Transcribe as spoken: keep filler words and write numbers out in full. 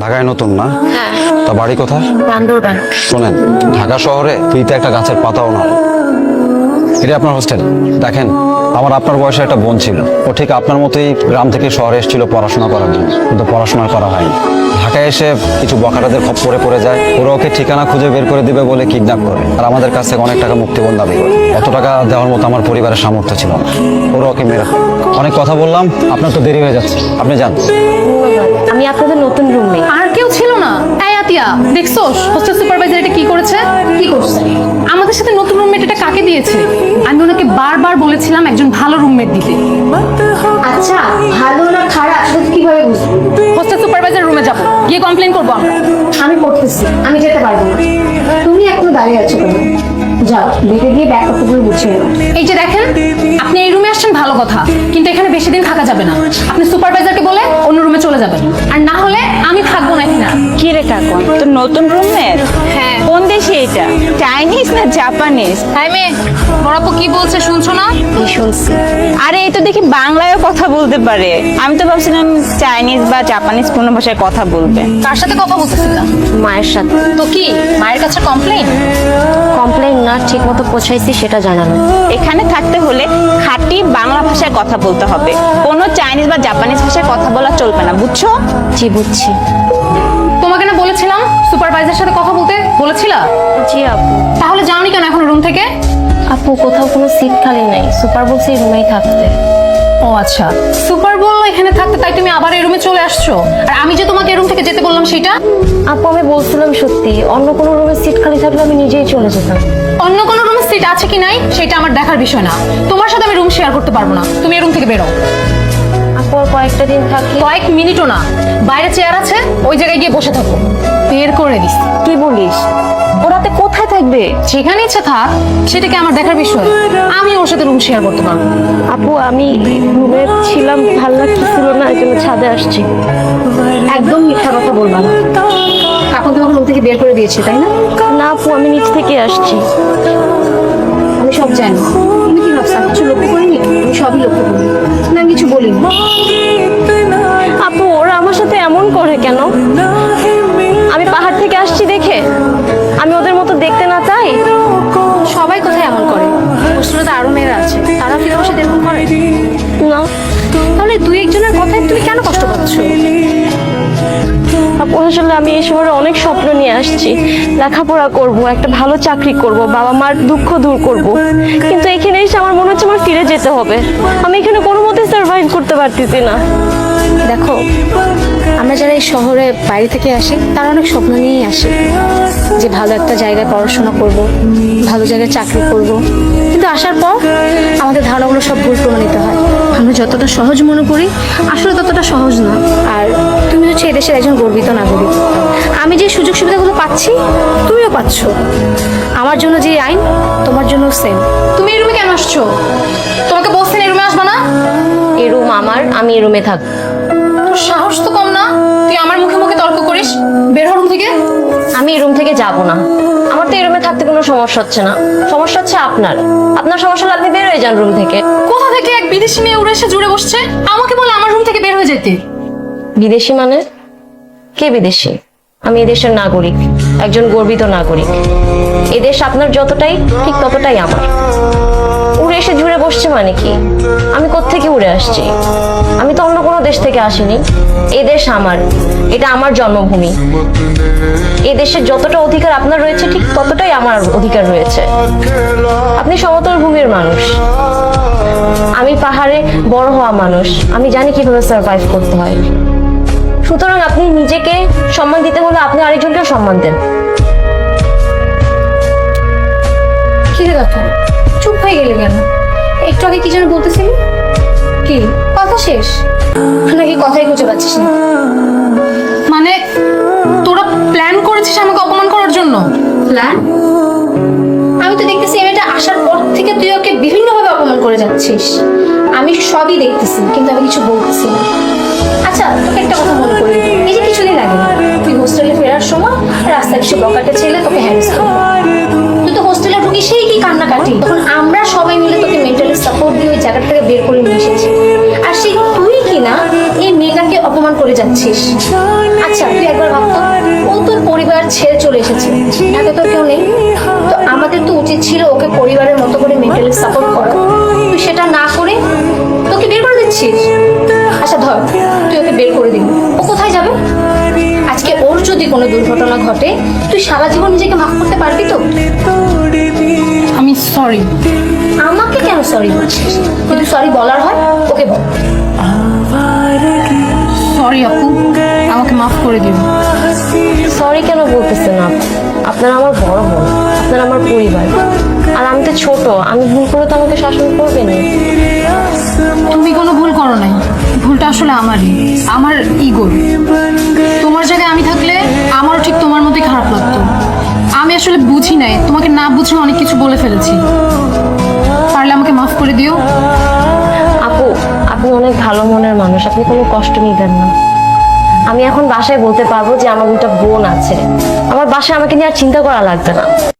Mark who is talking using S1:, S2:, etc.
S1: ঢাকায় নতুন না?
S2: হ্যাঁ।
S1: তা বাড়ি কোথায়?
S2: বান্দরবান।
S1: শোনেন, ঢাকা শহরে ফ্রিতে একটা গাছের পাতাও না। এটা আপনার হোস্টেল। দেখেন, আমার আপনার বয়সে একটা বোন ছিল, ও ঠিক আপনার মতোই গ্রাম থেকে শহরে এসেছিল পড়াশোনা করার জন্য, কিন্তু পড়াশোনা করা হয়নি। ঢাকায় এসে কিছু বখাটাদের খপ্পরে পড়ে যায়, ওরা ওকে ঠিকানা খুঁজে বের করে দিবে বলে কিডন্যাপ করে, আর আমাদের কাছ থেকে অনেক টাকা মুক্তিপণ দাবি করে। অত টাকা দেওয়ার মতো আমার পরিবারের সামর্থ্য ছিল না, ওরা ওকে মেরে ফেলে। অনেক কথা বললাম, আপনার তো দেরি হয়ে যাচ্ছে, আপনি যান।
S2: আমি আপনাদের নতুন রুমে।
S3: আর কেউ ছিল না? এই আতিয়া, দেখছোস হোস্টেল সুপারভাইজার এটা কি করেছে? কি করছে? আমাদের সাথে নতুন রুমমেট এটা কাকে দিয়েছে? আমি ওনাকে বারবার বলেছিলাম একজন ভালো রুমমেট দিতে।
S2: আচ্ছা, ভালো না খারাপ সেটা কিভাবে বুঝবো?
S3: হোস্টেল সুপারভাইজার রুমে যাব, গিয়ে কমপ্লেইন করবো আমরা।
S2: আমি করতেছি, আমি যেতে পারবো না। তুমি এখনো দাঁড়িয়ে আছো কেন? যাও, বেঁধে গিয়ে ব্যাগপত্রগুলো গুছিয়ে নাও।
S3: এই যে দেখেন, আপনি এই রুমে আসছেন ভালো কথা, কিন্তু এখানে বেশি দিন থাকা যাবে না। আপনি সুপারভাইজারকে বলে অন্য রুমে চলে যাবেন, আর না হলে আমি থাকবো না এখানে।
S4: কি রে কাকন, তোর নতুন রুমমেট?
S3: হ্যাঁ।
S4: কোন দেশে এটা? চাইনিজ না জাপানিজ?
S3: হাই মেয়ে, বড়াপু কি বলছে শুনছো না?
S2: কি শুনছি?
S4: আরে এই তো দেখি বাংলায়ও কথা বলতে পারে। আমি তো ভাবছিলাম চাইনিজ বা জাপানিজ কোনো ভাষায় কথা বলবে।
S3: কার সাথে কথা বলতেছিলা?
S2: মায়ের সাথে।
S3: তো কি মায়ের কাছে কমপ্লেইন?
S2: কমপ্লেইন না, ঠিক মতো পৌঁছাইছি সেটা জানানো।
S4: এখানে থাকতে হলে খাঁটি বাংলা ভাষায় কথা বলতে হবে, কোনো চাইনিজ বা জাপানিজ ভাষায় কথা বলা চলবে না, বুঝছো?
S2: জি বুঝছি।
S3: তোমাকে না বলেছিলাম সুপারভাইজারের সাথে কথা বলতে, বলেছিলা?
S2: জি আপু।
S3: তাহলে যাওনি কেন এখন রুম থেকে?
S2: আপু, কোথাও কোনো সিট খালি নেই, সুপার বলছে এই রুমেই থাকতে।
S3: ও আচ্ছা, সুপার বললো এখানে থাকতে, তাই তুমি আবার এই রুমে চলে আসছো। আর আমি যে তোমাকে এই রুম থেকে যেতে বললাম সেটা?
S2: আপু, আমি বলছিলাম সত্যি, অন্য কোনো রুমে সিট খালি থাকলে আমি নিজেই চলে যেতাম।
S3: অন্য কোনো রুমে সিট আছে কি নাই সেটা আমার দেখার বিষয় না। তোমার সাথে আমি রুম শেয়ার করতে পারবো না, তুমি এই রুম থেকে বেরো।
S2: আপু, আর কয়েকটা দিন থাকি।
S3: কয়েক মিনিটও না, বাইরে চেয়ার আছে, ওই জায়গায় গিয়ে বসে থাকো। বের করে দিস।
S2: কি বলিস? ওরাতে কোথায় থাকবে?
S3: যেখানে ইচ্ছে থাক, সেটাকে আমার দেখার বিষয়। আমি ওর সাথে রুম শেয়ার করতে পারবো।
S2: আপু, আমি রুমে ছিলাম, ভাল লাগতেছিল না, এই জন্য ছাদে আসছি।
S3: একদম মিথ্যা কথা বলবা না। কাকু তোমাকে রুম থেকে বের করে দিয়েছে তাই না?
S2: না আপু, আমি নিচ থেকে আসছি।
S3: আমি সব জানি। তুমি কি ভাবছো আমি কিছু লক্ষ্য করিনি? আমি সবই লক্ষ্য করি, না আমি কিছু বলিনি।
S2: আপু, ওরা আমার সাথে এমন করে কেন? আমি পাহাড় থেকে আসছি দেখে আমি ওদের মতো দেখতে না চাই?
S3: সবাই কোথায় এমন করে? হোস্টেলে তো আরো মেয়েরা আছে, তারা কি তোমার সাথে এরকম করে?
S2: না।
S3: তাহলে দুই একজনের কথায় তুমি কেন কষ্ট পাচ্ছ?
S2: আপু, আসলে আমি এই শহরে অনেক স্বপ্ন নিয়ে আসছি, লেখাপড়া করব, একটা ভালো চাকরি করব, বাবা মার দুঃখ দূর করব, কিন্তু এখানে এসে আমার মনে হচ্ছে আমার ফিরে যেতে হবে। আমি এখানে কোনো মতে সার্ভাইভ করতে পারতেছি না।
S3: দেখো, আমরা যারা এই শহরে বাইরে থেকে আসি তারা অনেক স্বপ্ন নিয়েই আসি, যে ভালো একটা জায়গায় পড়াশোনা করব, ভালো জায়গায় চাকরি করব, কিন্তু আসার পর আমাদের ধারণাগুলো সব ভুল প্রমাণিত হয়। আমরা যতটা সহজ মনে করি আসলে ততটা সহজ না। আর তুমি হচ্ছে এদেশের একজন গর্বিত নাগরিক। আমি যে সুযোগ সুবিধাগুলো পাচ্ছি তুমিও পাচ্ছ। আমার জন্য যে আইন তোমার জন্য সেম। তুমি এই রুমে কেন আসছো? তোমাকে বলছেন এই রুমে আসবা না?
S2: এই রুম আমার, আমি এই রুমে থাকবো।
S3: তোর সাহস তো কম না, তুই আমার মুখে মুখে তর্ক করিস। বের হ রুম থেকে।
S2: আমি এই রুম থেকে যাব না। আমার তো এই রুমে থাকতে কোনো সমস্যা হচ্ছে না, সমস্যা হচ্ছে আপনার। আপনার সমস্যা হলে আপনি বের হয়ে যান রুম থেকে।
S3: কোথা থেকে এক বিদেশি মেয়ে উড়ে এসে জুড়ে বসছে, আমাকে বলে আমার রুম থেকে বের হয়ে যেতে?
S2: বিদেশি মানে? কে বিদেশি? আমি এদেশের নাগরিক, একজন গর্বিত নাগরিক। এদেশ আপনার যতটাই, ঠিক ততটাই আমার। উড়ে এসে জুড়ে বসছে মানে কি? আমি কোত্থেকে উড়ে আসছি? আমি তো অন্য কোনো দেশ থেকে আসিনি। এই দেশ আমার, এটা আমার জন্মভূমি। এই দেশের যতটা অধিকার আপনার রয়েছে ঠিক ততটাই আমার অধিকার রয়েছে। আপনি সমতল ভূমির মানুষ, আমি পাহাড়ে বড় হওয়া মানুষ, আমি জানি কিভাবে সার্ভাইভ করতে হয়। সুতরাং আপনি নিজেকে সম্মান দিতে হলে আপনি আরেকজনকেও সম্মান দেন।
S3: কি রে কথা, চুপ হয়ে গেলে কেন? একটু আগে কি যেন বলতেছিলি? কি কথা শেষ নাকি কথাই খুঁজে পাচ্ছিস না? মানে তোরা প্ল্যান করেছিস আমাকে অপমান করার জন্য? প্ল্যান? আমি তো দেখতেছি এই মেয়েটা আসার পর থেকে তুই ওকে বিভিন্নভাবে অপমান করে যাচ্ছিস। আমি সবই দেখতেছি, কিন্তু আমি কিছু বলতেছি না। আচ্ছা, তোকে একটা কথা মনে করি, এই যে কিছুদিন আগে তুই হোস্টেলে ফেরার সময় রাস্তায় কিছু বকাটে ছেলে তোকে হ্যারাস করলো। তুই তো হোস্টেলে ঢুকি সেই কি কান্নাকাটি, তখন আমরা সবাই মিলে তোকে মেন্টালি সাপোর্ট দিয়ে ওই জায়গা থেকে বের করে নিয়ে এসেছি। আর সেই তুই কিনা এই মেয়েটাকে অপমান করে যাচ্ছিস। আচ্ছা তুই একবার ভাবতো, ও তোর পরিবার ছেড়ে চলে এসেছে, এত তো কেউ নেই, তো আমাদের তো উচিত ছিল ওকে পরিবারের মতো করে মেন্টালি সাপোর্ট করা। তুই সেটা না করে তোকে বের করে দিচ্ছিস। আচ্ছা ধর তুই ওকে বের করে দিবি, ও কোথায় যাবে? আজকে ওর যদি কোনো দুর্ঘটনা ঘটে, তুই সারা জীবন নিজেকে মাফ করতে পারবি তো?
S5: আমি সরি।
S3: আমাকে কেন সরি বলছিস? যদি সরি বলার হয় ওকে বল।
S5: সরি আপু, আমাকে মাফ করে দিও।
S2: সরি কেন বলতেছেন আপু? আপনারা আমার বড় বোন, আপনারা আমার পরিবার, আর আমি তো ছোট, আমি ভুল করে তো আমাকে শাসন করবেন।
S5: তুমি কোনো ভুল করো নাই, ভুলটা আসলে আমারই, আমার ইগোর। তোমার জায়গায় আমি থাকলে আমারও ঠিক তোমার মতোই খারাপ লাগতো। আমি আসলে বুঝি নাই, তোমাকে না বুঝে অনেক কিছু বলে ফেলেছি। পারলে আমাকে মাফ করে দিও।
S2: আপু আপনি অনেক ভালো মনের মানুষ, আপনি কোনো কষ্ট নিবেন না। আমি এখন বাসায় বলতে পারবো যে আমার দুটা বোন আছে, আমার বাসায় আমাকে নিয়ে আর চিন্তা করা লাগবে না।